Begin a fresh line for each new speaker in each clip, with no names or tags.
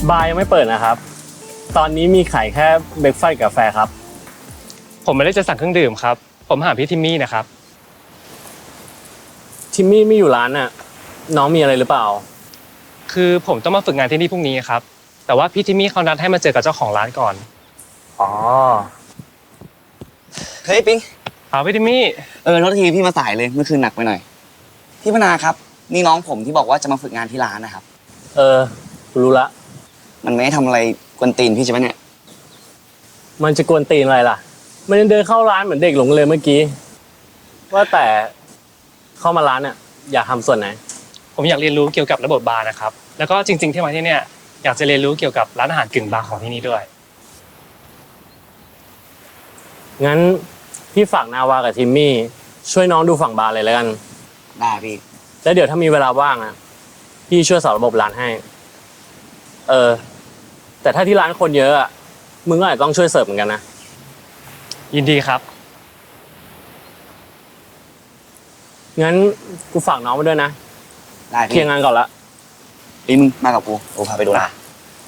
บาร์ยังไม่เปิดนะครับ ตอนนี้มีขายแค่เบรกฟาสต์กาแฟครับ
ผมไม่ได้จะสั่งเครื่องดื่มครับผมหาพี่ทิมมี่นะครับ
ทิมมี่ไม่อยู่ร้านน่ะน้องมีอะไรหรือเปล่า
คือผมต้องมาฝึกงานที่นี่พรุ่งนี้ครับแต่ว่าพี่ทิมมี่เขานัดให้มาเจอกับเจ้าของร้านก่อน
อ๋อ
เฮ้ยปิ๊ง
พี่ทิมมี่
โทษทีพี่มาสายเลยเมื่อคืนหนักไปหน่อยพี่พนาครับนี่น้องผมที่บอกว่าจะมาฝึกงานที่ร้านนะครับ
รู้ละ
มันไม่ได้ทำอะไรกวนตีนพี่ใช่ไหมเนี่ย
มันจะกวนตีนอะไรล่ะมันยังเดินเข้าร้านเหมือนเด็กหลงเลยเมื่อกี้ว่าแต่เข้ามาร้านเนี่ยอยากทำส่วนไหน
ผมอยากเรียนรู้เกี่ยวกับระบบบาร์นะครับแล้วก็จริงๆที่มาที่เนี่ยอยากจะเรียนรู้เกี่ยวกับร้านอาหารกึ่งบาร์ของที่นี่ด้วย
งั้นพี่ฝากนาวากับทิมมี่ช่วยน้องดูฝั่งบาร์เลยแล้วกัน
ได้พี่
แล้วเดี๋ยวถ้ามีเวลาว่างอ่ะพี่ช่วยสอนระบบร้านให้แต่ถ้าที่ร้านคนเยอะอ่ะมึงก็อาจจะต้องช่วยเสิร์ฟเหมือนกันนะ
ยินดีครับ
งั้นกูฝากน้องมาด้วยนะ
ได้
เคลียร์งานก่อนละ
มึงมากับกูพาไปดูนะ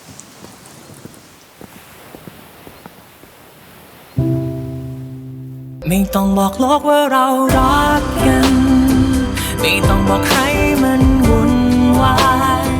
ไม่ต้องบอกโลกว่าเรารักกันไม่ต้องบอกให้มันวุ่นวาย